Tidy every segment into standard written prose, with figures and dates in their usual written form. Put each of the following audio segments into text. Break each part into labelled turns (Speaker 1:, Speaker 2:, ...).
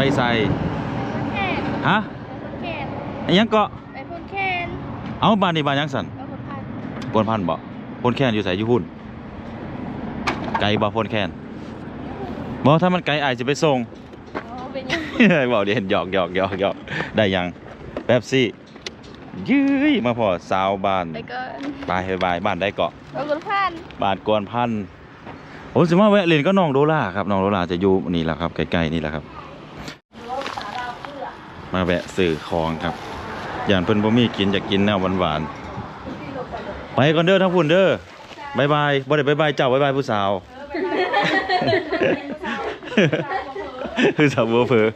Speaker 1: ใส่
Speaker 2: แคน
Speaker 1: ฮะ
Speaker 2: แคน
Speaker 1: ไอ้ยังเกาะ
Speaker 2: ไปพ่นแคน
Speaker 1: เอาบ้านนี่บ้านยังสัน
Speaker 2: ไปพ่นพัน
Speaker 1: พนพันบ่พนแคนอยู่ใส่อยู่หุ่นไกลบ่พนแคนบ่ถ้ามันไกลอายจะไปส่ง
Speaker 2: เป็นยัง
Speaker 1: บอกเดี๋ยวหยอกได้ยังแป๊บซี่ยื้ยมาพอสาวบ้าน
Speaker 2: ไปก่อน
Speaker 1: บายบ้านได้เกาะ
Speaker 2: ไปพ่นพัน
Speaker 1: บ้านกวนพันผมสิมาแวะเล่นก็น้องโดล่าครับน้องโดล่าจะอยู่นี่แหละครับใกล้ๆนี่แหละครับมาแวะซื้อของครับอย่างเพิ่นบ่มีกินอยากกินแนวหวานๆไปก่อนเด้อทั้งพุ่นเด้อบายบ่ได้บายเจ้าบายผู้สาวผู้สาวบ่เผลอ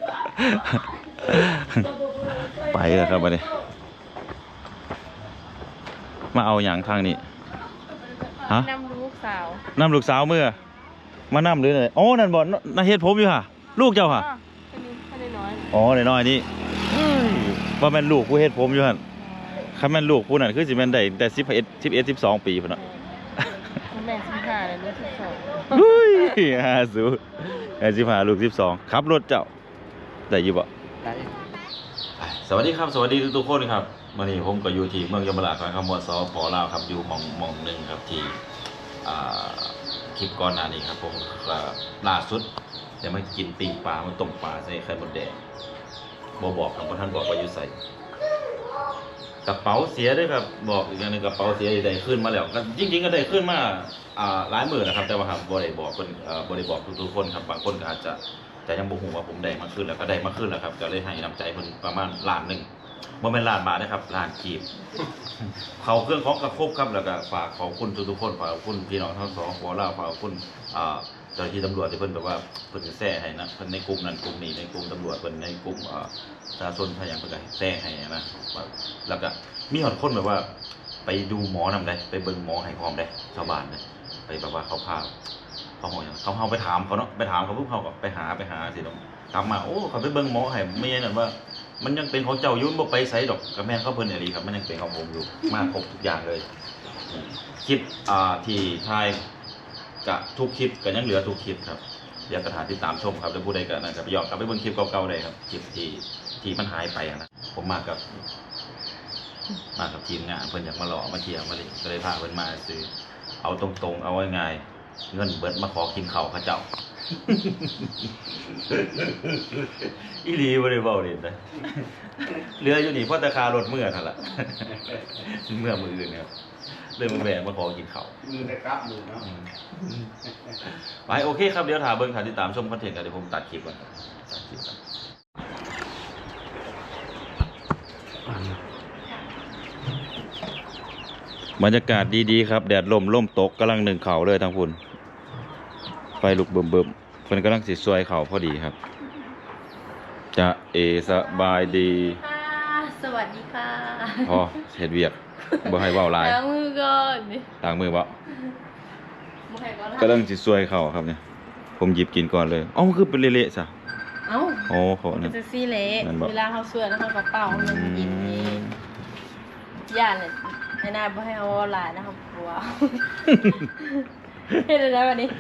Speaker 1: ไปแล้วครับบัดนี้มาเอาหยังทางนี้ฮะ
Speaker 2: นำลูกสาวน
Speaker 1: ำลูกสาวเมื่อมานำหรือไงอ๋อนั่นบ่น่าเฮ็ดผมอยู่ค่ะลูกเจ้าค่ะ
Speaker 2: แค่น้อย
Speaker 1: อ๋อน้อยๆนี่ว่าแม่นลูกผู้เฮ็ดผมอยู่หั่นคันแม่นลูกผู้นั้นคือสิแม่นได้แต่11 12ปีพุ่นน่ะ
Speaker 2: แม่15เลยลูก12
Speaker 1: เฮ้ย50แม่15ลูก12ขับรถเจ้าได้อยู่บ่ได้สวัสดีครับสวัสดีทุกๆคนครับมื้อนี้ผมก็อยู่ที่เมืองยมราชแขวงคำม่วนสป.ลาวครับอยู่หม่องนึงครับที่คลิปก่อนหน้านี้ครับผมล่าสุดจะมากินปิ้งปลามาต้มปลาใส่ไข่มดแดงบ่บอกครับเพราะท่านบอกว่าอยู่ใส่กระเป๋าเสียด้วยครับบอกอีกอย่างนึงกระเป๋าเสียได้ขึ้นมาแล้วก็จริงๆก็ได้ขึ้นมาหลายหมื่นนะครับแต่ว่าครับบ่ได้บอกคนบ่ได้บอกทุกๆคนครับบางคนก็อาจจะแต่ยังบ่ฮู้ว่าผมได้มาขึ้นแล้วก็ได้มาขึ้นแล้วครับก็เลยให้น้ำใจเพิ่นประมาณล้านนึงบ่แม่นล้านบาทนะครับล้านกีบเขาเครื่องของกระครบครับแล้วก็ฝากขอบคุณทุกๆคนฝากขอบคุณพี่น้องทั้งสองขอลาฝากขอบคุณเจ้าหน้าที่ตำรวจที่เพิ่นแบบว่าเพิ่นจะแซ่ให้นะเพิ่นในกลุ่มนั้นกลุ่มนี้ในกลุ่มตำรวจเพิ่นในกลุ่มประชาชนพยายามเพิ่นก็แซ่ให้นะแล้วก็มีหลายคนแบบว่าไปดูหมอนำได้ไปเบิ่งหมอให้พร้อมได้ชาวบ้านนะไปแบบว่าเขาพาเขาอย่างเขาไปถามเขาเนาะไปถามเขาปุ๊บเขาก็ไปหาสิเนาะกลับมาโอ้เขาไปเบิ่งหมอให้ไม่ใช่นั่นว่ามันยังเป็นของเจ้ายุ่นบ่ไปไสดอกกับแม่นเขาเพิ่นอีหลีครับมันยังเป็นของผมอยู่มาครบทุกอย่างเลยคลิปที่ถ่ายกะทุกคลิปก็ยังเหลือทุกคลิปครับอยากกระถาติดตามชมครับแล้วผู้ใดก็นะครับย้อนกลับไปเบิ่งคลิปเก่าๆได้ครับคลิปที่มันหายไปนะผมมากับทีมงานเพิ่นอยากมาหล่อมาเที่ยวมาเลยก็เลยพาเพิ่นมาซื้อเอาตรงๆเอาง่ายๆเงินเบิดมาขอกินข้าวเขาเจ้าอีหลีบ่ได้เว้าเล่นนะเหลืออยู่นี่เพราะราคารถเมื่อนั่นล่ะเมื่อมื้ออื่นครับเรื่องมันแหวกมาขอกินข้าว
Speaker 3: มือได้กลับมือเนาะ
Speaker 1: ไปโอเคครับเดี๋ยวถามเบิ่งติดตามชมคอนเทนต์กันเดี๋ยวผมตัดคลิปก่อนตัดคลิปก่อนบรรยากาศดีๆครับแดดล่มตกกำลังนึ่งข้าวเลยทางพุ่นไฟลุกเบิ่มๆเพิ่นกำลังสิซวยข้าวพอดีครับจะสบายดี
Speaker 2: สวัสดีค่ะ
Speaker 1: พอเฮ็ดเวียกบ่ให้เว้าหลาย
Speaker 2: ล้างมือก่อน
Speaker 1: ล้างมือบ่กำลังสิซวยข้าวครับเนี่ยผมหยิบกินก่อนเลยมันคือเป็นเละๆซะ
Speaker 2: เอ้า
Speaker 1: โอ้โหนั่น
Speaker 2: จะซีเละเวลาเขาช่วยแล้วเขาก็เป่ามันกินเองย่านเลยไอ้นายบ่ให้เอาหลายนะครับกลัวเฮ็ดได้วันนี้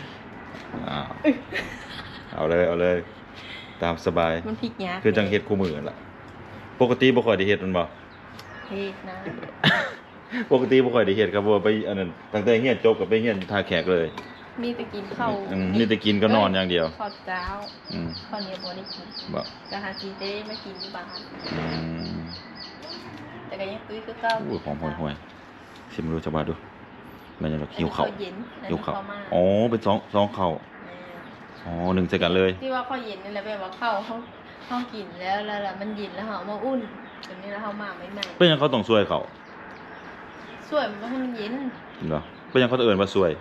Speaker 1: เอาเลยตามสบาย
Speaker 2: มันพริกยาก
Speaker 1: คือจังเฮ็ดคู่มือนั่นล่ะปกติบ่ค่อยได้เฮ็ดมันบ่
Speaker 2: เฮ็ดนะ
Speaker 1: ปกติบ่ค่อยได้เฮ็ดครับเพราะว่าไปอันนั้นตั้งแต่เรียนจบก็ไปเรียนท่าแขกเลย
Speaker 2: มีแต่กินข้าว
Speaker 1: มีแต่กินก็นอนอย่างเดียว
Speaker 2: ข้าวเจ้าข้าวเหนียวบ่ได้กิน
Speaker 1: บ่
Speaker 2: ก็หากินได้ไม่กินที่บ้านแต่ก็ยังตุ้ยคือเก่า
Speaker 1: ของห่วยๆสิมาดูจะมาดูมันยังแบบหิวข้าวหิวข้าวอ๋อเป็น2ข้าวอ๋อ1ใส่กันเลย
Speaker 2: ที่ว่าข้าวเย็นนี่แหละแบบว่าข้าวเขากินแล้วมันเย็นแล้วเฮามาอุ่นตอนนี้แล้วเฮามาใหม่ๆ
Speaker 1: เป็นยังเขาต้องช่วยเขา
Speaker 2: ช่วยมันให้มันเย็น
Speaker 1: เหรอเป็นยังเขาเอิ้นว่าช่วย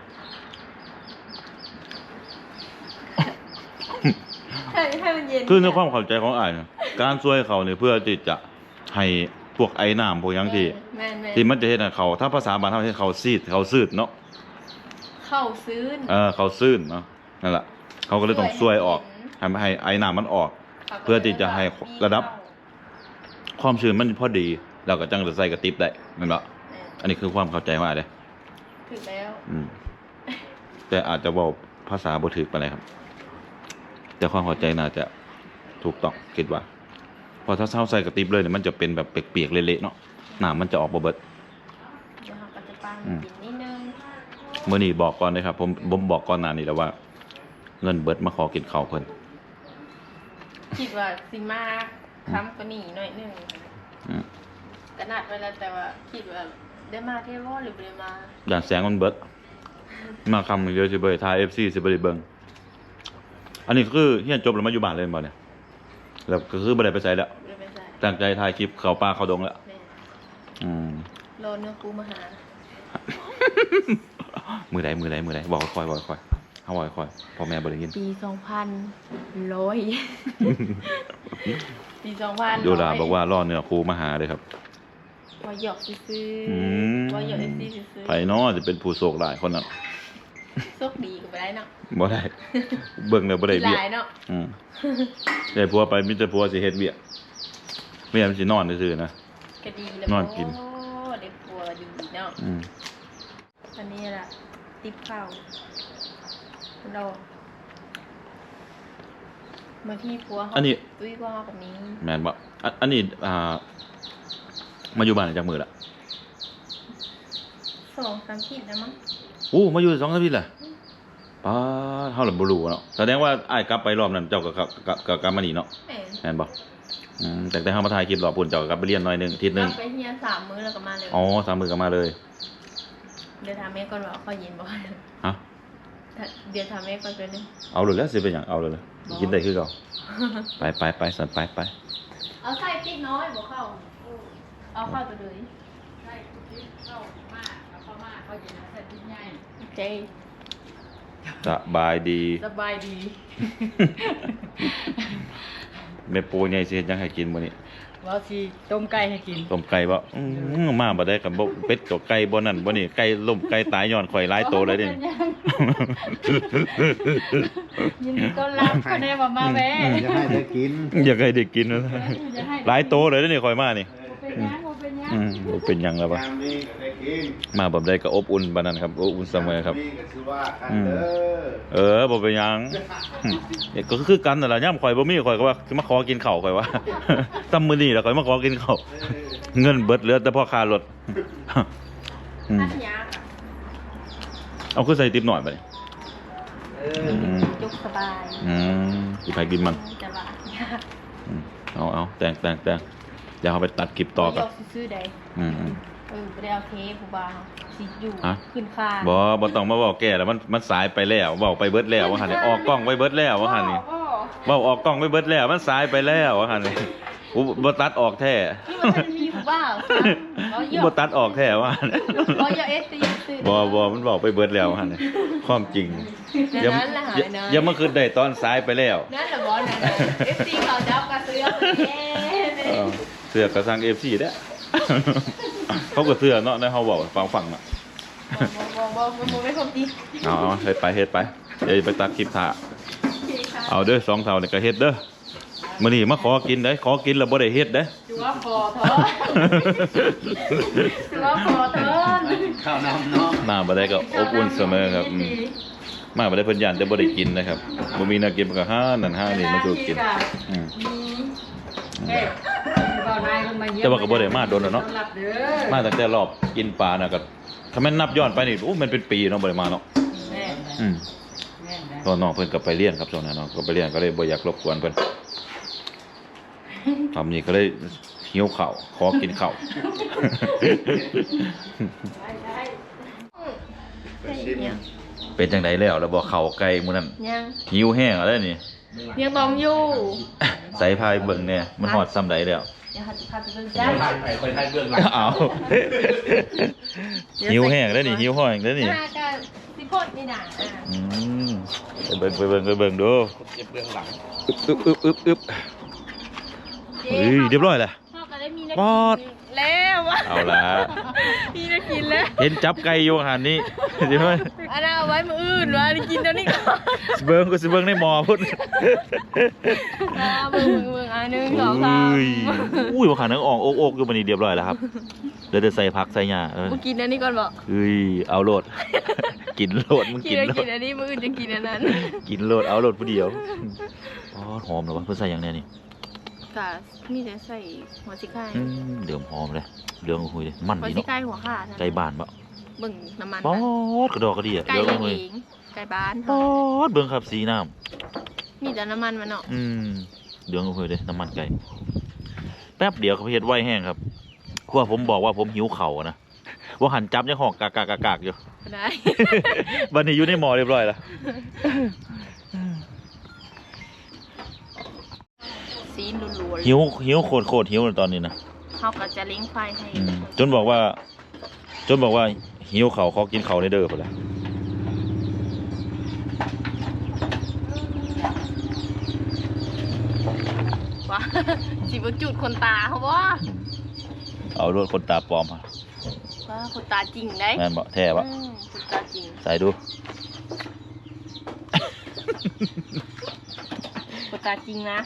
Speaker 2: ให้มันเย็น
Speaker 1: คือในความเข้าใจของอ้ายนะการช่วยเขาเนี่ยเพื่อที่จะให้พวกไอ้น้ำพวกยังที่มันจะเฮ็ดให้เขาถ้าภาษาบ้านเฮาเฮ็ดเขาซีดเนาะ
Speaker 2: เข้าซื่น
Speaker 1: เขาซื่นเนาะนั่นแหละเขาก็เลยต้องช่วยออกให้ไอ้น้ำมันออกเพื่อที่จะให้ระดับความชื้นมันพอดีแล้วก็จังจะใส่กระติบได้แม่นบ่อันนี้คือความเข้าใจว่าเด้
Speaker 2: ถูกแล้ว
Speaker 1: แต่อาจจะเว้าภาษาบ่ถูกปานใดครับแต่ความเข้าใจน่าจะถูกต้องคิดว่าพอถ้าเช้าใส่กระติบเลยเนี่ยมันจะเป็นแบบเปียกๆเละๆเนาะน้ำมันจะออกบ่เบิด
Speaker 2: เดี๋ยวเราก็จะปั้นกินนิดนึง
Speaker 1: เมื่อนี้บอกก่อนเลยครับผมบอกก่อนหน้านี้แล้วว่า เงินเบิดมาขอกินข้าวเพิ่น
Speaker 2: คิดว่าสิมาค้ำกว่านี้หน่อยนึง
Speaker 1: อืม
Speaker 2: กระนัดไว้แล้วแต่ว่าคิดว่าได้มาเทวอหรือไม่ได้มา
Speaker 1: อย่างแสงมันเบิดมาคำเดียวสิเบิดทาย FC สิบ่ได้เบิ่งอันนี้คือเฮียนจบแล้วมาอยู่บ้านเลยบ่เนี่ยแล้วก็คือบ่ได้ไปไสแล้ว
Speaker 2: ไม่ได้ไปใส่
Speaker 1: ตั้งใจถ่ายคลิปเข้าป่าเข้าดงแล้ว
Speaker 2: แม่
Speaker 1: อืม
Speaker 2: รอเนื้อคูมาหา
Speaker 1: มือใดบอกค่อยเฮาบอกค่อยพ่อแม่บ่ได้ยิน
Speaker 2: ปี2000ปี2000
Speaker 1: โยดาบอกว่ารอเนื้อครูมาหาเลยครับ
Speaker 2: ว่าหยอกซื้อ
Speaker 1: อืม
Speaker 2: ว่าหยอกซื้อ
Speaker 1: ไผเนาะจะเป็นผู้โชคหลายคนนั้น
Speaker 2: โชคดีก็ไปได้เนาะ
Speaker 1: บ่ได้ เบิ่งแล้วบ่ได้
Speaker 2: ห
Speaker 1: เบี้ย
Speaker 2: ลายเนาะ
Speaker 1: อืมได้ผัวไปมีแต่ผัวสิเฮ็ดเบี้ยแม่มันสินอนซื่อๆนะ
Speaker 2: ก็ดีแล้ว
Speaker 1: นอนกิน
Speaker 2: โอ้ได้ผัวดีเนาะ
Speaker 1: อืม
Speaker 2: อันนี้ล่ะติ๊บข้าวเราบางทีผัวเขาตุ้ยกว่าเขาแบบนี้
Speaker 1: แม่นบ่อันนี้มาอยู่บ้านจักมื้อละ
Speaker 2: 2-3 ขีดนะมั้ง
Speaker 1: โอ้มาอยู่2อาทิตย์ละป้าดเฮาล่ะบ่รู้เนาะแสดงว่าอ้ายกลับไปรอบนั้นเจ้าก็กลับมานี่เนาะ
Speaker 2: แม่
Speaker 1: แม่นบ่แต่เฮามาถ่ายคลิปรอบพุ่นเจ้าก็กลับไปเรียนหน่อยหนึงอาทิตย์หนึง
Speaker 2: ไปเฮีย3 มื้อแล้วก็มาเลย
Speaker 1: อ๋อ3มื้อก็มาเลย
Speaker 2: เดี๋ยวถามแม่ก่อนว่าเขาเย็นบ่
Speaker 1: ฮะ
Speaker 2: เดี๋ยวถามแม่ก่อนไปนึง
Speaker 1: เอาเลยแล้วสิเป็นหยังเอาเลยกินได้คือเก่าไปสันไป
Speaker 2: เอาไส้ติ๊กน้อยบ่เข้าเอาเข้าตัวเลย
Speaker 3: ใช่ที่เข้ามากแล้วเข้ามากเขาจะใส่ที่ใหญ่
Speaker 2: โอเค
Speaker 1: สบายดี
Speaker 3: สบายดี
Speaker 1: แม่ปูใหญ่สิเฮ็ดหยังให้กินมื้อนี้
Speaker 3: ว่าสิต้มไก่ให้กิน
Speaker 1: ต้มไก่บ่มาบ่ได้กับบ่เป็ดกับไก่บ่นั่นบ่นี่ไก่ล้มไก่ตายย้อนข่อยหลายโตเลยเด้
Speaker 3: ยินดีต้อนรับคะแนนมาแวะ
Speaker 4: จะให้ได้กิน
Speaker 1: อยากให้ได้กินนะ
Speaker 3: จะให้
Speaker 1: หลายโตเลยเด้นี่ข่อยมานี่
Speaker 3: เป็นยังเป็นยัง
Speaker 1: บ่เป็นหยังแล้วบ่
Speaker 4: ยามนี้ก็ได้กิน
Speaker 1: มาแบบใดก็อบอุ่นปานนั้นครับอบอุ่นเสมอครับ
Speaker 4: นี่ก็คือว่ากันเด้อ
Speaker 1: บ่เป็นหยังก็คือกันนั่นล่ะยามข่อยบ่มีข่อยก็ว่าสิมาขอกินข้าวข่อยว่า ตำมื้อนี้แล้วข่อยมาขอกินข้าวเงินเบิดเหลือแต่พอค่ารถ
Speaker 2: อันยาก
Speaker 1: เอาคือใส่ติ๊บหน่อยบัดนี้
Speaker 4: เออ
Speaker 2: ยกสบาย
Speaker 1: สิไปกินมัน
Speaker 2: จะว่ายาก
Speaker 1: เอาแต่งเดี๋ยวเอาไปตัดคลิปต่อกัน
Speaker 2: ยกซื้อๆได้ไม่ได้เอาเทปผู้บ่าวสิอยู่ขึ้นคาน
Speaker 1: บ่ต้องมาบอกแก่แล้วมันสายไปแล้วบอกไปเบิดแล้วว่าหั่นนี่ออกกล้องไว้เบิดแล้วว่าหั่นนี่เว้าออกกล้องไว้เบิดแล้วมันสายไปแล้วว่าหั่นนี่กูบ่ตัดออกแท้
Speaker 2: ที่มันจะมีผู้บ่าวเขาหย
Speaker 1: กู
Speaker 2: อก
Speaker 1: บ่ตัดออกแท้ว่าหั่น
Speaker 2: เขาหยอกซื้อ
Speaker 1: บ่มันบอกไปเบิดแล้วว่าหั่นนี่ความจริง
Speaker 2: นั่นแหละหายนะ
Speaker 1: อย่ามาคืนได้ตอนสายไปแล้ว
Speaker 2: นั่นแหละบอสนะ FC เขาจับกระเสือกเย้
Speaker 1: เสือกกระซัง FC เด้อ เขาก็เสือเนาะในเฮาเว้าฟังน่ะ
Speaker 2: บอกไม่ครบจริง
Speaker 1: เอาเฮ็ดไปเดี๋ยวไปตัดคลิปถ่าเอาเด้อ2เท่านี่ก็เฮ็ดเด้อมื้อนี้มาขอกินเด้ขอกินแล้วบ่ได้เฮ็ดเด้
Speaker 2: จูว่าพอเถอะจูว่าพอเถอะ
Speaker 4: ข้าวน้ำเนาะ
Speaker 1: มาบ่ได้ก็อบอุ่นเสมอครับมาบ่ได้เพิ่นย่านแต่บ่ได้กินนะครับบ่มีแนักกินก็หานั่นหานี่มาสู่กินอืม
Speaker 3: เฮ้ยบ่าวนายลงมาเยี่ยม
Speaker 1: แต่ว่าก็บ่ได้มาโดนแล้วเนาะ
Speaker 3: ต้อนรับเด้อ
Speaker 1: มาตั้งแต่รอบกินปลาน่ะก็ถ้าแม่นนับย้อนไปนี่โอ้มันเป็นปีเนาะบ่ได้มาเนาะ
Speaker 3: แม่
Speaker 1: อืม
Speaker 3: แม่นะ
Speaker 1: ตอนน้องเพิ่นก็ไปเรียนครับช่วงนั้นเนาะก็ไปเรียนก็เลยบ่อยากรบกวนเพิ่นทำนี่ก็เลยหิวข้าวขอกินข้าว เป็นจังไดแล้วแล้วบ่เข้าไกลมื้อนั้น
Speaker 2: ยัง
Speaker 1: หิวแห้งแล้วนี่
Speaker 2: ยังต้องอยู่
Speaker 1: ใส่พายเบิ่งเนี่ยมันฮอดซ้ำใดแล้ว
Speaker 2: อย่าหัดพาไปเบิ่งจ้า
Speaker 4: ไปไทยเบื้องหลัง
Speaker 1: เอาหิวแห้งแล้วนี่หิวห้อยแล้วนี่
Speaker 2: หน้าก็สิโพดนี่น่ะ
Speaker 1: อืมไปเบิ่งดู
Speaker 4: เก็บเบื้องหลัง
Speaker 1: อึบเฮ้ยเรียบร้อยแล้ว
Speaker 2: พ่อก็ได้มี
Speaker 1: ปอด
Speaker 2: แล้วแล้ววะ
Speaker 1: เอาละ
Speaker 2: พี่จะกินแล้ว
Speaker 1: เห็นจับไก่อยู่หันนี่ใช่ไหม
Speaker 2: อันนั้นเอาไว้มื้ออื่นวะกินเดี๋ยวนี้ก่อน
Speaker 1: สิเบิ้งก็สิเบิ้งในหมอพุ่น
Speaker 2: เบิ่งอันหนึ่งสองสาม
Speaker 1: อุ้ยว่าขานังอ่องโอกๆอยู่บันนี้เรียบร้อยแล้วครับเดี๋ยวจะใส่ผักใส่หญ้า
Speaker 2: มึงกินอันนี้ก่อนบอก
Speaker 1: เฮ้ยเอาโลด กินโลดมึง
Speaker 2: กิ
Speaker 1: กิ
Speaker 2: น
Speaker 1: น
Speaker 2: แล้ว
Speaker 1: โล
Speaker 2: กิ
Speaker 1: ด
Speaker 2: นอันนี้มื้ออื่นจะกินอันนั้น
Speaker 1: กินโลดเอาโลดผู้เดียวอ๋อหอมเลยวะเพิ่นใส่อย่างเนี้ยนี่
Speaker 2: กะมีแต่ใส่หัวสิไข่
Speaker 1: เดือมหอมเลยเดือมหุยเลยมัน
Speaker 2: หัว
Speaker 1: ดี
Speaker 2: สิ
Speaker 1: เนาะ
Speaker 2: ไข่หัวขาด
Speaker 1: ไก่บ้านปะ
Speaker 2: เบิ่งน้ำมัน
Speaker 1: ป๊อดกระดอกกระเดีย
Speaker 2: ไก่
Speaker 1: เดือม
Speaker 2: เลี้ยง
Speaker 1: หุย
Speaker 2: เองไก่บ้าน
Speaker 1: ป๊อดเบิ่งครับสีน้
Speaker 2: มีแต่น้ำมันมันเนาะ
Speaker 1: ำเดือมหุยเลยน้ำมันไก่แป๊บเดียวเขาเฮ็ดไว้แห้งครับเพราะว่าผมบอกว่าผมหิวเข่าวอะนะว่าหันจับยังหอกกากๆอยู่
Speaker 2: ได้
Speaker 1: วันนี้อยู่ในหมอเรียบร้อยแล้ว
Speaker 2: ซีนรัวๆ
Speaker 1: หิวโคตรหิวเลยตอนนี้นะ
Speaker 2: เขาก็จะเล้งไฟให้
Speaker 1: จนบอกว่าหิวเขาวขอกินเขาวในเด้อไปแล้ว
Speaker 2: ว่า สิบจุดคนตาเขาบ่
Speaker 1: เอารถคนตาปลอมมา
Speaker 2: ว่าคนตาจริงได้
Speaker 1: แม่นบ่แท้บ่
Speaker 2: คนตาจริง
Speaker 1: ใส่ดู
Speaker 2: คนตาจริงนะ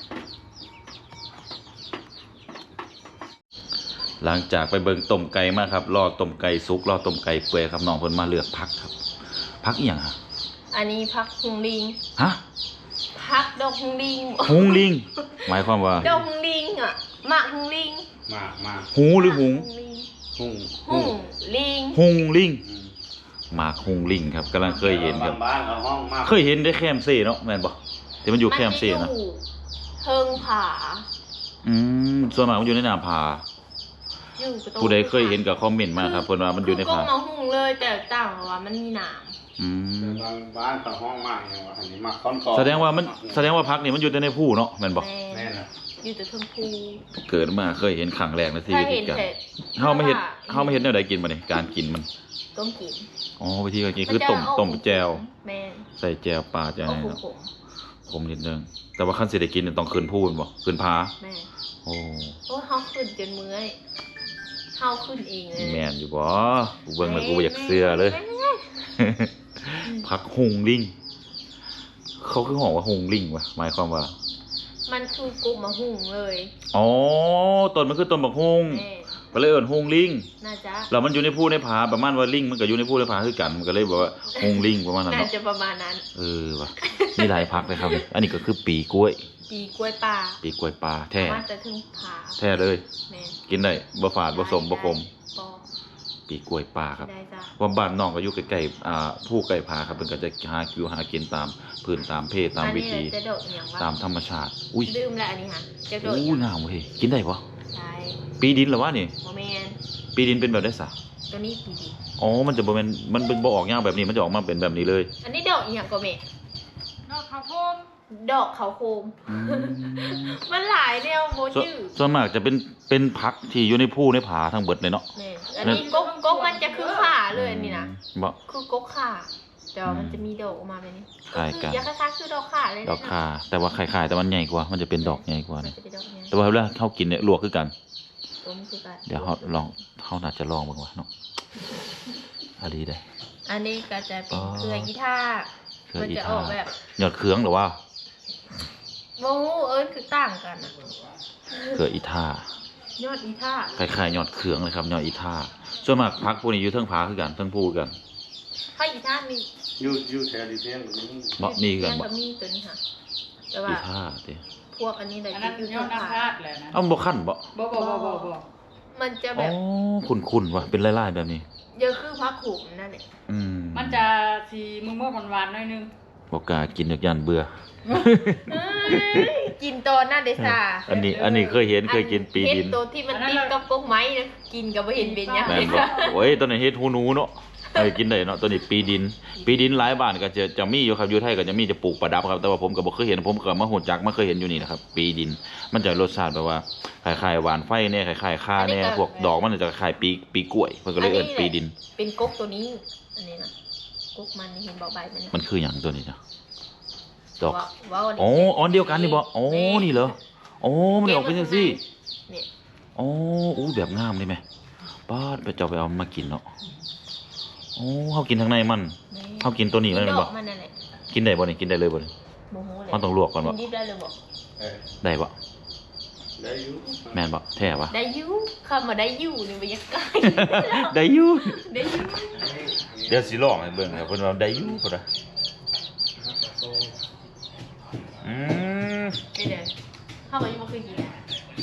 Speaker 1: หลังจากไปเบิ่งต้มไก่มาครับรอต้มไก่สุกรอต้มไก่เปื่อยครับน้องเพิ่นมาเลือกพักครับพักอีหยังฮะ
Speaker 2: อันนี้พักหุงลิง
Speaker 1: ฮะ
Speaker 2: พักดอกหุงลิง
Speaker 1: หุงลิง หมายความว่า
Speaker 2: ดอกหุงลิงอ่ะหมากหุงลิง
Speaker 4: มา
Speaker 1: หูหรือหุง
Speaker 2: ลิง
Speaker 4: หุ่ง
Speaker 2: หุงลิง
Speaker 1: หุงลิงหมากหุงลิงครับกำลังเคยเห็นครับ
Speaker 4: บ้านๆเอาห้องมาก
Speaker 1: เคยเห็นได้แคมเซ่เนาะแม่นบ่ที่มันอยู่แคมเซ่นะ
Speaker 2: มันจะอยู่เทิงผา
Speaker 1: ส่วนมากมันอยู่ในน้ำผา
Speaker 2: อยู่กระโต๊ะ
Speaker 1: ผู้ใดเคยเห็นก็คอมเมนต์มาครับเพิ่นว่ามันอยู่ใน
Speaker 2: ก็
Speaker 1: ผา
Speaker 2: มาหุงเลยแต่ต่างว่ามันมีหนาม
Speaker 1: อืม
Speaker 4: บ้านเอาห้องมากอย่างว่าอันนี้มาค้อนคอ
Speaker 1: แสดงว่าพักนี่มันอยู่แต่ในผู้เนาะแม่นบ่
Speaker 2: แม่
Speaker 4: แม่น่ะ
Speaker 2: อยู่แต่เทิงภู
Speaker 1: เกิดมาเคยเห็นครั้งแรกในชี
Speaker 2: ถ้า
Speaker 1: วิต
Speaker 2: เห็น
Speaker 1: กัน
Speaker 2: แต่
Speaker 1: เฮาไม่เห็นแนวใดกินบ่นี่การกินมัน
Speaker 2: ต้มกิน
Speaker 1: อ๋อวิธีการกินคือต้มแจว
Speaker 2: แม่
Speaker 1: ใส่แจวปลาแจว
Speaker 2: เอา
Speaker 1: อะไร
Speaker 2: ข
Speaker 1: เนาะ
Speaker 2: ม
Speaker 1: ขมนิดนึงแต่ว่าคันสิได้กินเนี่ยต้องขึ้นผู้แม่นบ่ขึ้นผา
Speaker 2: ๆแม่
Speaker 1: โอ้
Speaker 2: โอ้เฮาขึ้นจนเมื่อยเฮาขึ้นเองเลย
Speaker 1: แม่นอยู่บ่กูเบิ่งแล้วกูบ่อยากเชื่อเลย
Speaker 2: แม่
Speaker 1: พักหุงลิงเขาคือห้องว่าหุงลิงวะหมายความว่า
Speaker 2: มันคือกุ๊กมาหุงเลย
Speaker 1: อ๋อต้นมันคือต้นบักฮุง
Speaker 2: แม่
Speaker 1: ก็เลยเอิ้นฮุงลิง
Speaker 2: น่าจะ
Speaker 1: แล้วมันอยู่ในภูในผาประมาณว่าลิงมันก็อยู่ในภูในผาคือกันมันก็เลยบอกว่าฮุงลิงประมาณนั้น
Speaker 2: น่า
Speaker 1: เนาะ
Speaker 2: จะประมาณนั้น
Speaker 1: ว่ะมีหลายพักเลยครับนี่อันนี้ก็คือปีกล้วย
Speaker 2: ปีกล้วยป่า
Speaker 1: ปีกล้วยปลาแท้
Speaker 2: มาแต่ถึงผา
Speaker 1: แท้เลย
Speaker 2: แม่
Speaker 1: กินได้บ่ฝาดบ่สมบ่ขม
Speaker 2: ปอ
Speaker 1: ปีกล้วยปลาครับ
Speaker 2: ได้จ้ะ
Speaker 1: ว่าบ้านน้องก็อยู่ใกล้ๆผู้ใกล้ผาครับเพิ่นก็จะหาคิวหากินตามพื้นตามเพศตามวิธี
Speaker 2: อันนี้จะโดดอย่างว่า
Speaker 1: ตามธรรมชาติ อุ้ย
Speaker 2: ดื่มแล้วอันนี้ค่ะจะโดด
Speaker 1: อู้น้ำเว้ยกินได้ปะ
Speaker 2: ใช่
Speaker 1: ปีดินเหรอวะนี่
Speaker 2: โมเมน
Speaker 1: ปีดินเป็นแบบได้สะ
Speaker 2: ตัวนี้ปีดี
Speaker 1: อ๋อมันจะบ่แม่นมันเป็นบ่ออกยางแบบนี้มันจะออกมาเป็นแบบนี้เลย
Speaker 2: อันนี้ดอกอย่างก็เม
Speaker 3: นอกข้าวโพด
Speaker 2: ดอกเขาโคม มันหลายแนวโม
Speaker 1: ส่วน
Speaker 2: ชื่อ
Speaker 1: ส่วนมากจะเป็นพักที่อยู่ในภูในผาทั้งเบิดเลยเนาะ
Speaker 2: แม่อันนี้ก๊กมันจะคือข่าเลยอันนี่นะ
Speaker 1: บ่
Speaker 2: คือก๊กข่าแต่ว่ามันจะมีดอกออกมาแบบนี้
Speaker 1: คล้ายกัน
Speaker 2: คือยาคล้ายๆคือดอกข่าเลยนะ
Speaker 1: ดอกคาแต่ว่าคล้ายๆแต่มันใหญ่กว่ามันจะเป็นดอกใหญ่กว่า
Speaker 2: มัน
Speaker 1: นี่
Speaker 2: จะเป็นดอกเนี้ย
Speaker 1: แต่ว่าเวลาเขากินเนี่ยลวกคือกัน
Speaker 2: ต้มคือกัน
Speaker 1: เดี๋ยวเขาน่าจะลองบ้างวะเนาะอันนี้ได้
Speaker 2: อันนี้ก็จะเป็นเครืออีท่า
Speaker 1: เครือ
Speaker 2: มัน
Speaker 1: อี
Speaker 2: จะ
Speaker 1: ท่า
Speaker 2: ออกแบบ
Speaker 1: ยอดเขืองหรือว่า
Speaker 2: โมคือต่างกันอะ
Speaker 1: เครืออีท่าย
Speaker 2: อดอีท่า
Speaker 1: คล้ายๆยอดเขืองเลยครับยอดอีท่าส่วนมากพักพวกนี้อยู่เทิงผาคือกันเทิงภูคือกัน
Speaker 2: ถ้าอีท่ามี
Speaker 4: อยู่แถวดีเพียงนี้
Speaker 1: บ่มีคือกัน
Speaker 2: เลี้ยง
Speaker 1: บ่
Speaker 2: กับมีตัวนี้ค่ะ แต่
Speaker 1: อี
Speaker 2: ว่า
Speaker 1: ท่าติ
Speaker 2: พวกอันนี้เลย
Speaker 3: อันนั้น
Speaker 2: อยู่
Speaker 3: ยอ
Speaker 2: ที่
Speaker 3: ด
Speaker 2: ผ่า
Speaker 3: น้ำพลาดแหละนะ
Speaker 1: เอ้าบ่คั่นบ่
Speaker 3: บ่
Speaker 2: มันจะ
Speaker 1: อ๋
Speaker 2: แบ
Speaker 1: อบ คุ้นๆว่ะเป็นลายๆแบบนี้
Speaker 2: เยอะคือพักขุมนั่นแหละ
Speaker 3: มันจะสีมือหวานๆหน่อยนึง
Speaker 1: บ่กล้ากินจากยันเบื่อ
Speaker 2: กินตอนนั่นเดซ่า
Speaker 1: อันนี้เคยเห็นเคยกินปีดิน
Speaker 2: เห็ดตัวที่มันติดกับกกไม้นะกินกับไม่เห็นเป็นยัง
Speaker 1: แม่นบ่โอ้ยตอนนี้เฮ็ดหูหนูเนาะกินได้เนาะตัวนี้ปีดินหลายบ้านก็จะมีอยู่ครับอยู่ไทยก็จะมีจะปลูกประดับครับแต่ว่าผมก็บ่เคยเห็นผมก็มาฮู้จักมาเคยเห็นอยู่นี่นะครับปีดินมันจะรสชาติแบบว่าคล้ายๆหวานไฟแน่คล้ายๆข่าแน่พวกดอกมันจะคล้ายๆปีกล้วยเพิ่นก็เลยเอิ้นปีดิน
Speaker 2: เป็นกกตัวนี้ อันนี้นะกกมันนี่เห็นบอกใบมัน
Speaker 1: มันคือหยังตัวนี้จ้ะดอก
Speaker 2: ว้าว
Speaker 1: อ๋ออันเดียวกันนี่บ่อ๋อนี่เหรออ๋อมันออกเป็นจังซี่
Speaker 2: เนี่ย
Speaker 1: อ๋ออู้แบบงามเลยไหมป้าดไปเจ้าไปเอามากินเนาะโอ้เขากินทั้งในมันเขากินตัวนี้เลย
Speaker 2: ด
Speaker 1: บ่
Speaker 2: อกมันนั่นแหละ
Speaker 1: กินได้บ่นี่กินได้เลยบ่นี่
Speaker 2: โมโหเลย
Speaker 1: มันต้องลวกก่อนบ่
Speaker 2: กินดิบได้เลยบอก
Speaker 4: เออ
Speaker 1: ได้บ่
Speaker 4: ได้อยู่
Speaker 1: แม่นบ่แท้บ่
Speaker 2: ได้อยูคำว่าได้อยูนี่มันยังไง
Speaker 1: ได้อยู่
Speaker 2: ได้อยู
Speaker 1: เดี๋ยวสิลองให้เบิ่งครับเพิ่นว่าได้อยู่พุ่นน่ะอืม
Speaker 2: ไม่เด้เข้ามายังไม่เคยกินอะ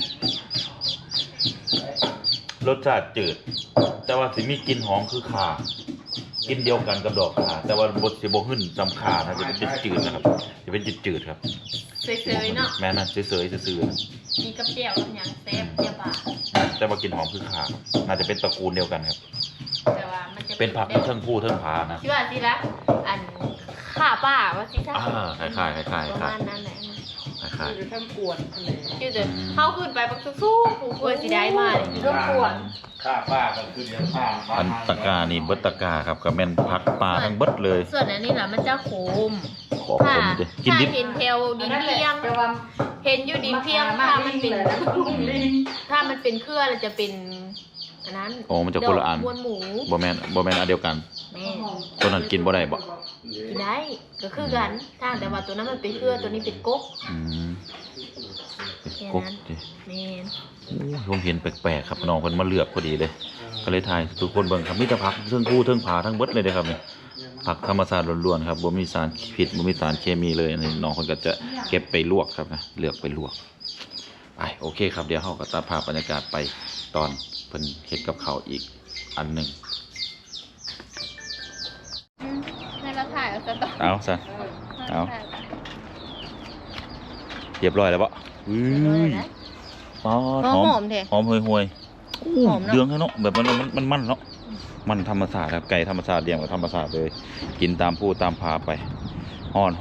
Speaker 1: รสชาติจืด แต่ว่าสิมีกลิ่นหอมคือข่ากินเดียวกันกับดอกข่าแต่ว่าบดสิบ่หึ่นจำข่านะจะเป็นจืดๆนะครับจะเป็นจืดๆครับ
Speaker 2: เซยๆเนาะ
Speaker 1: แม่นั่นเฉยๆซื่อ
Speaker 2: มีกับเจียวกับหยังแซ่บเจียวปลา
Speaker 1: ๆแต่ว่ากลิ่นหอมคือข่าครับน่าจะเป็นตระกูลเดียวกันครับ
Speaker 2: แต่ว่ามันจะ
Speaker 1: เป็นผักเทิงผู้เทิงผานะ
Speaker 2: ที่ว่าสิละอันข้าป้าว่าสิท่า
Speaker 1: คล้ายๆคล้าย
Speaker 2: ประ
Speaker 1: ๆคล้า
Speaker 2: มาณนั้นแหละ
Speaker 1: ย
Speaker 3: อยู่ทั้งปวดทะเล
Speaker 2: อยู่แต่เข้าขึ้นไปบักสู้ๆผู้ควรสิได้มาเลย
Speaker 3: รบกวน
Speaker 4: ข้าป้าก็คือเลี้ยงข้า
Speaker 1: อันตะกร้านี่เบิดตะกร้าครับก็แม่นผักปลาทั้งเบิดเลย
Speaker 2: ส่วนอันนี้ล่ะมันจะขม
Speaker 1: ขอคนเด้กินดิบ
Speaker 2: ถ้าเห็นแถวดินเพียง
Speaker 3: แต่ว่า
Speaker 2: เห็นอยู่ดินเพียงถ้ามันเป็นถ้ามันเป็นเครือเราจะเป็นอันนั้น
Speaker 1: โอ้มันจะคนละอัน
Speaker 2: ดกบวนหมู
Speaker 1: บ่แม่นอันเดียวกัน
Speaker 2: แม่
Speaker 1: ตัวนั้นกินบ่ได้บ่
Speaker 2: กินได้ก็คือกันถ้าแต่ว่าตัวนั้นมันเป็นเครือตัวนี้เป็นก๊ก
Speaker 1: อืมเป็น
Speaker 2: แค่
Speaker 1: กบ
Speaker 2: นั้น
Speaker 1: ดิ
Speaker 2: แม่น
Speaker 1: โอ้ยผมเห็นแปลกๆครับน้องเพิ่นมาเลือกพอดีเลย ก็เลยถ่ายทุกคนเบิ่งครับมีแต่ผักเทิงผู้เทิงผาทั้งเบิดเลยเด้อครับนี่ผักธรรมชาติล้วนๆครับบ่มีสารพิษบ่มีสารเคมีเลยอันนี้น้องเพิ่นก็จะเก็บไปลวกครับนะเลือกไปลวกไปโอเคครับเดี๋ยวเฮาก็ตัดภาพบรรยากาศไปตอนเพิ่นเฮ็ดกับข้าวอีกอันหนึง
Speaker 2: ให้เราถ่ายเอาซะต่อ
Speaker 1: เอาซะเอาเรียบร้อยแล้วบ่อุ้ยอ๋อ
Speaker 2: หอมๆแท้
Speaker 1: หอมห่วยๆอู้
Speaker 2: หอมเนอะ
Speaker 1: เดืองให้เนาะแบบมันเนาะมันธรรมชาติครับไก่ธรรมชาติเลี้ยงแบบธรรมชาติเลย กินตามผู้ตามผาไปฮ้อน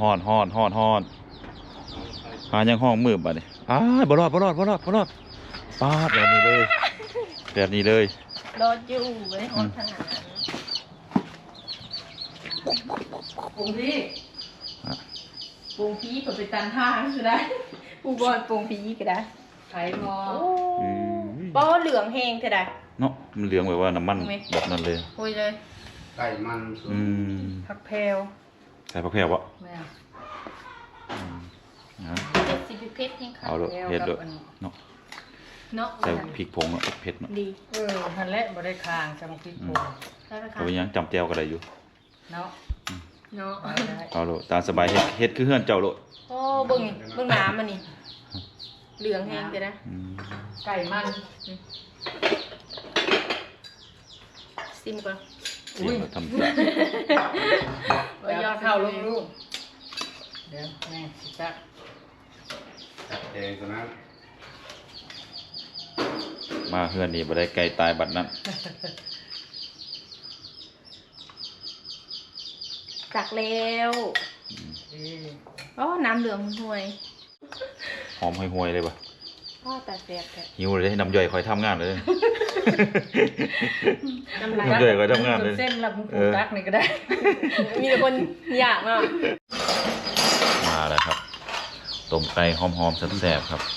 Speaker 1: หายังห้องมืดบัดนี้บ่รอดปาดแบบนี้เลย
Speaker 2: รอดอยู่ไว้ฮอดขนาดนั้น
Speaker 3: ปรุงพี่
Speaker 2: ปรุงพีก็ไปตันท่าก็ได้ผู้บอลปรุงพีก็ได้
Speaker 3: ไข่หมอ
Speaker 2: ป้อเหลืองแห้งเท่าใด
Speaker 1: เนาะมันเหลืองแบบว่าน้ำมันแบบนั้นเลย
Speaker 2: โอ้ยเลย
Speaker 4: ไก่มันสุด
Speaker 1: อืม
Speaker 3: ผักแพรว
Speaker 1: ใส่ผักแพรวะ
Speaker 3: แม่
Speaker 1: นะ
Speaker 2: เจ็ดสิบเพชรแห้งค่ะ
Speaker 1: เอาเลยเผ็ดเลยเนาะ
Speaker 2: เนาะ
Speaker 1: ใส่พริกผงเนาะเผ็ดเนาะ
Speaker 2: ดี
Speaker 3: ฮันแหละบ่ได้คางจำพริกโป่ง
Speaker 2: ได้ไหมคะ
Speaker 1: เอาไปยังจำแจวก็ได้อยู่
Speaker 3: เนาะ
Speaker 2: เนาะ
Speaker 3: ได้
Speaker 1: เอาโลดตามสบายเฮ็ดคือเฮือนเจ้าโลด
Speaker 2: โอ้เบิ่งน้ำมันนี่เหลืองแห้งเท่าใด
Speaker 1: อืม
Speaker 3: ไก่มัน
Speaker 2: ซิมก่อน
Speaker 1: อุ้ยทำ
Speaker 3: ยอดเท่าลูกเดี๋ยวแม่สิจัก
Speaker 4: แดงตัวนั้น
Speaker 1: มาเฮือนนี่บ่ได้ไก่ตายบัดนั้น
Speaker 2: จักแล้ว
Speaker 3: ดี
Speaker 2: อ๋อน้ำเหลืองห่วย
Speaker 1: หอมห่วยๆเลยบ่
Speaker 2: พ่อแต่แซ่บแท้
Speaker 1: หิวเลยน้ำย่อยคอยทำงานเลย
Speaker 2: น้ำลาย
Speaker 1: น้ำย่อยคอยทำงานเลย
Speaker 3: เส้นละมุกตักนี่ก็ได้
Speaker 2: มีแต่คนอยากเนาะ
Speaker 1: มาแล้วครับต้มไก่หอมๆแซ่บๆครับ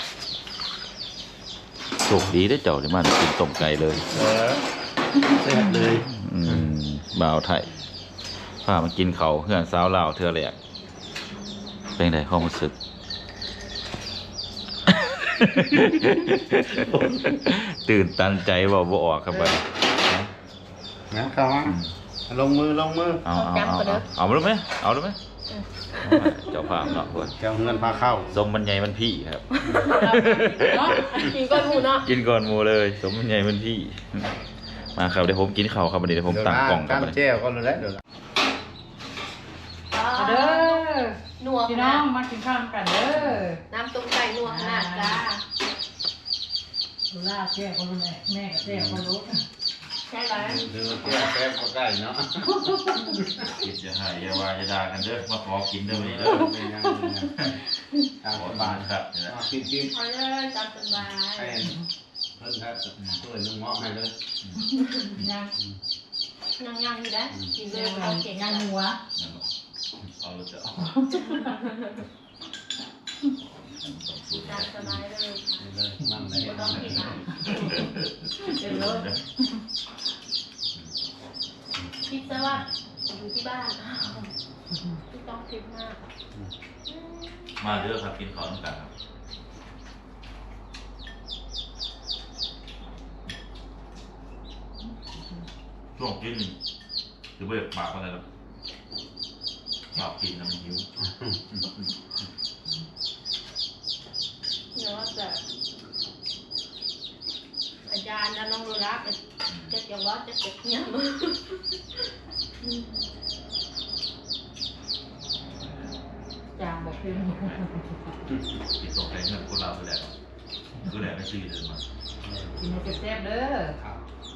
Speaker 1: โชคดีได้อเจ้าที่มาได้กินต้มไก่เลย
Speaker 4: แซ่บเลย
Speaker 1: บ่าวไทยพามากินเขาวเพื่อนสาวลาวเทื่อแรกเป็นไงความรู้สึก ตื่นตันใจบ่ออกครับบัดนี้
Speaker 4: นะเข้ามาลงมือ
Speaker 1: เอามาดูไหมเอาดูไหมเจ้าภาพเนาะเพื่อน
Speaker 4: แก้วเงินพาเข้า
Speaker 1: สมมันใหญ่มันพี่ครับ
Speaker 2: เนาะกินก้อนหมูเนาะ
Speaker 1: กินก่อนหมูเลย สมมันใหญ่มันพี่ มาครับเดี๋ยวผมกินข้าวครับวันนี้เดี๋ยวผมตั้งกล่องครับ
Speaker 4: กั
Speaker 1: วัน
Speaker 4: น
Speaker 1: นี้
Speaker 4: แจ้วก็เลยแล้วเดี๋ยว
Speaker 3: เอาเด้อ
Speaker 2: นัว
Speaker 3: พี่
Speaker 2: ข
Speaker 3: น้อ
Speaker 2: นาด
Speaker 3: งมากินข้าวกันเด้อ
Speaker 2: น้ำต้มไก่นัวขนาดจ้า
Speaker 3: ดูล่าแก้คนรู้แม่กับแก้คนรู้
Speaker 2: ใช่ไหม
Speaker 4: เดี๋ยวแก้วแป๊บก็ได้เนาะ
Speaker 1: กินจะหายอย่าว่าจะด่ากันเด้อมาขอกินเด้อวันนี้เด้อ
Speaker 4: ตาม
Speaker 1: ขอ
Speaker 4: บ้า
Speaker 1: บาน นครับ
Speaker 4: กิน
Speaker 2: เอาเลยตามสบาย
Speaker 4: ให้เพิ่นครับเพิ่นนึงเหมาะให้เลย
Speaker 3: ยัง
Speaker 2: ย่างๆอยู่ได้กินเลย
Speaker 3: ยัง
Speaker 2: เอาเก่ง
Speaker 3: ยังหัว
Speaker 1: เอาเลยเจ้า
Speaker 2: ตามสบายเลยค่ะ
Speaker 4: เลยนั่งเลย
Speaker 2: ไม่ต้องกินอ่ะ
Speaker 3: เป็นรถ
Speaker 2: คิดซะว่าอยู่ที่บ้านไม่ต้องคิดมาก
Speaker 1: มาเด้อครับกินข้าวน้ำกันครับช่วงกินหรือเบิกปากอะไรครับปากกินน้ำหิว
Speaker 2: เดี๋ยวว่าจะอาจารย์นะน้องดูรักจะว่าจะเก็บเงี้ยมือ
Speaker 3: จางบอกเป็น
Speaker 1: ติดตกใจเงินคนเราไปแล้วคือแหละไม่ซื้อเดินมา
Speaker 3: กินให้แซ่บๆเด้อ
Speaker 4: ครับ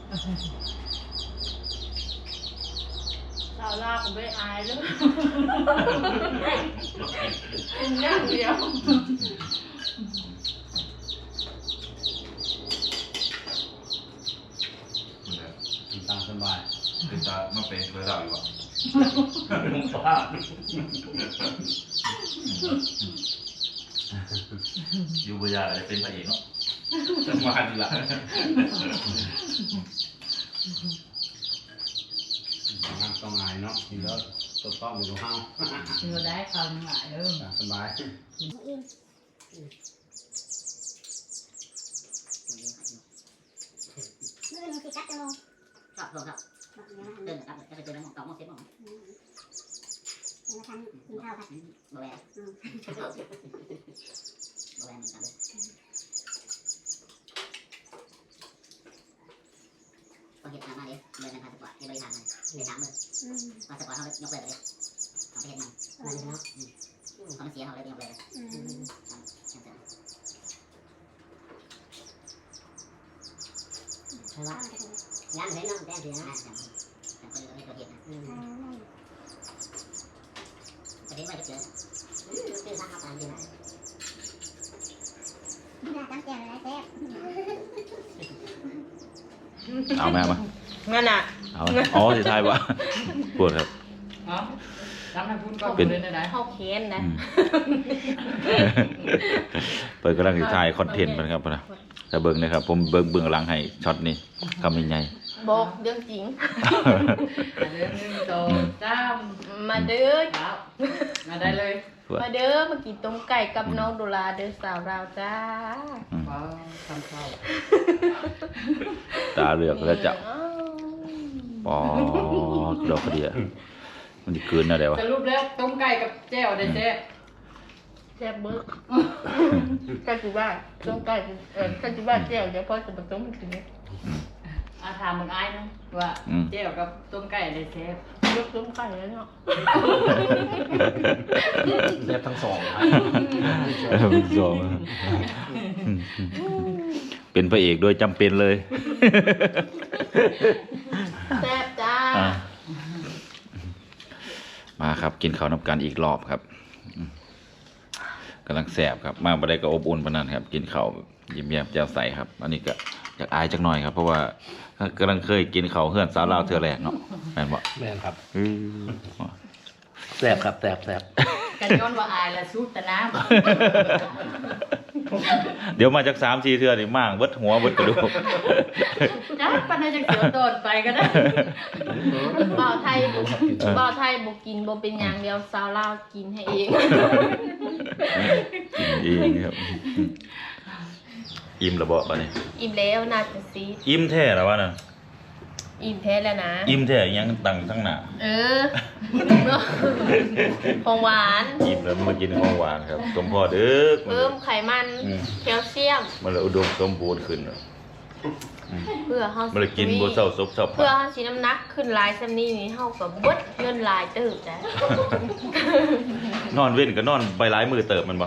Speaker 2: เราลาผมไม่อายเลยเป็นอย่างเดียว
Speaker 4: กินตามสบาย
Speaker 1: เป็นตามาเป็นเคยเล่าอยู่อ่ะ
Speaker 4: ลุงป้า
Speaker 1: อยู่บนยาอะไรเป็นพระเอกเนาะจะมาดีละ
Speaker 4: งานต้องไงเนาะกินแล้วตัวต้องอยู่ตรงห้าง
Speaker 3: กินก็ได้คำหลายเด้อ
Speaker 4: สบาย
Speaker 5: มื่อมันสิกัดจะลง
Speaker 6: ครับผมครับ
Speaker 5: บอกเดี๋ยวนะ
Speaker 6: เดินครับจะไปเจอในหม้อง2 โมง 10 โมง
Speaker 5: เดี๋ยวทำกินข้าวกัน
Speaker 6: บ่แวะบ่แวะเหมือนกันเลยต้องเห็นมาดิเดินทางสปอร์ตให้บริการเลย3 มื้อมาสปอร์ตเขายกเลิกเลยเอาไปเฮ็ดมันเขามันเสียเขาเลยยกเลิกเลยใช่ว่างานเห็นน้องแต่เสียนะแต่คนอื่นเขาเห็นนะประเด็นว่าจะเจอเป็นทางเอาไปดีนะ
Speaker 5: นี่นะตั้งใจอะไรแซ่บ
Speaker 1: เอาแม่มา
Speaker 2: งั้นอ่ะ
Speaker 1: เอาอ๋อสิทายวะปวดครับ
Speaker 3: เนาะจำให้พูดก่อน
Speaker 1: เป็น
Speaker 3: เลยนะ
Speaker 2: เข้าเค้นนะ
Speaker 1: เปิดกำลังสิทายคอนเทนต์มันครับนะถ้าเบิ่งนะครับผมเบิ่งหลังให้ช็อตนี้คำใหญ่
Speaker 2: บอกเรื่องจริง
Speaker 3: เรื่องนึงโตจ้าม
Speaker 2: มาเด้อ
Speaker 3: ครับมาได้เลย
Speaker 2: มาเด้อมากินต้มไก่กับน้องโดราเด้อสาวเราจ้า
Speaker 3: ว้าวทำข้าว
Speaker 1: ตาเหลือกแล้วเจ้าปอดอกกระเดียมันจะเกินอะไรวะ
Speaker 3: สรุปแล้วต้มไก่กับแจ่วได้แซ่บ
Speaker 2: แซ่บเบิ้งกันจิบ้าต้มไก่กันจิบ้าแจ่วเดี๋ยวพ่อจะมาต้มกินเนี่ย
Speaker 3: อาถามมึงอ้ายนะว่าแจ่วกับต้มไก่ได้แซ่บ
Speaker 2: ยกต้มไก่แล้วเนาะ
Speaker 4: เรียบทั้งสอง
Speaker 1: สองเป็นพระเอกโดยจำเป็นเลย
Speaker 2: แซ่บจ้า
Speaker 1: มาครับกินข้าวน้ำกันอีกรอบครับกำลังแสบครับมาบ่ได้ก็อบอุ่นปานนั้นครับ กินข้าวยิ้มแย้มแจ่มใสครับ อันนี้ก็อยากอายจักหน่อยครับ เพราะว่ากำลังเคยกินข้าวเฮือนสาวลาวเทื่อแรกเนาะแม่นบ่
Speaker 4: แม่นครับ
Speaker 1: อื้อ
Speaker 4: แสบครับแสบ
Speaker 3: กันย้อนว่าอายละสู้แต่น้ำ
Speaker 1: เดี๋ยวมาจาก3-4เทื่อนี่ม่างเบิดหัวเบิดกระดูก
Speaker 3: จ้าปันให้จังเสียวโดดไปก็ได้
Speaker 2: บ่าวไทยบ่กินบ่เป็นอย่างเดียวสาวลาวกินให้เอง
Speaker 1: กินเองครับอิ่มระเบาะปะเนี่ย
Speaker 2: อิ่มแล้วน่าจะซีด
Speaker 1: อิ่มแท้แล้ววะน่ะ
Speaker 2: อิ่มแท้แล้วนะ
Speaker 1: อิ่มแท้ยังตั้งทั้งหน้า
Speaker 2: เออของหวาน
Speaker 1: อิ่มแล้วมากินของหวานครับสมพอเด้อ
Speaker 2: เพิ่มไขมันแคลเซียม
Speaker 1: มันเลยอุดมสมบูรณ์ขึ้นเนอะ
Speaker 2: เพื่อเฮา
Speaker 1: มันเลยกินบ่เศร้าซบเศร้า
Speaker 2: เพื่อเฮาสิน้ำหนักขึ้นหลายซำนี้นี่เฮาก็เบิดเงินหลายเติบจ้ะ
Speaker 1: นอนเว้นก็นอนไปหลายมือเติบมันบ่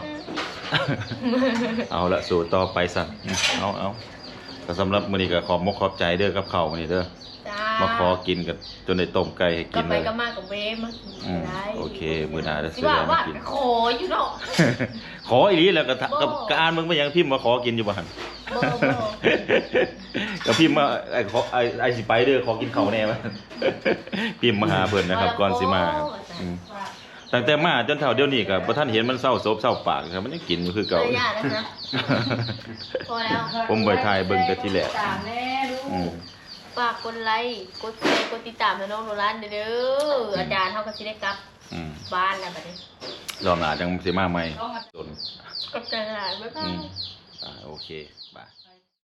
Speaker 1: เอาละสู่ต่อไปสั่นเอาก็สำหรับมื้อนี้ก็ขอบมกขอบใจเด้อกับข้าวมื้อนี้เด้อ
Speaker 2: จ้า
Speaker 1: มาขอกินกันจนได้ต้มไก่ให้
Speaker 2: ก็
Speaker 1: กิน
Speaker 2: ไป
Speaker 1: เลย
Speaker 2: ก็มากับเวมากิน
Speaker 1: อืม
Speaker 2: ได้
Speaker 1: โอเคมื้อหน้าจะ
Speaker 2: สิ
Speaker 1: ซื้อ
Speaker 2: ว่า
Speaker 1: อะไร
Speaker 2: ว่า
Speaker 1: มากิน
Speaker 2: ขออยู่เนาะ
Speaker 1: ขออีหลีแล้วก็
Speaker 2: บ่
Speaker 1: ก็อ่านมึงไปยังพิมพ์มาขอกินอยู่บ่หั่น
Speaker 2: บ่
Speaker 1: ก็พิมพ์มาไอ้สิไปเด้อขอกินข้าวแน่วะ พิมพ์มาหาเพิ่นนะครับก่อนสิมาครับอืมตั้งแต่มาจนเท่าเดี๋ยวนี้ก็บ่ทันเห็นมันเศร้าศพเศร้าปากครับมันยังกินอยู่คือเก่า
Speaker 2: ระยะนะคะพอแล้ว
Speaker 1: ผมไปถ่ายเบิ่งแต่ทีแรก
Speaker 3: ตามแน่ลูก
Speaker 1: อืม
Speaker 2: ฝากกดไลค์กดแชร์กดติดตามให้น้องโนรันเด้ออาจารย์เขาก็สิได้กลับ
Speaker 1: อืม
Speaker 2: บ้านแล้วบัดนี้
Speaker 1: รอบหน้าจังสิมาใหม่
Speaker 3: ต้องมา
Speaker 1: จน
Speaker 2: กลับใจหลายบ๊ายบา
Speaker 1: อื
Speaker 2: ย
Speaker 1: มโอเคบาย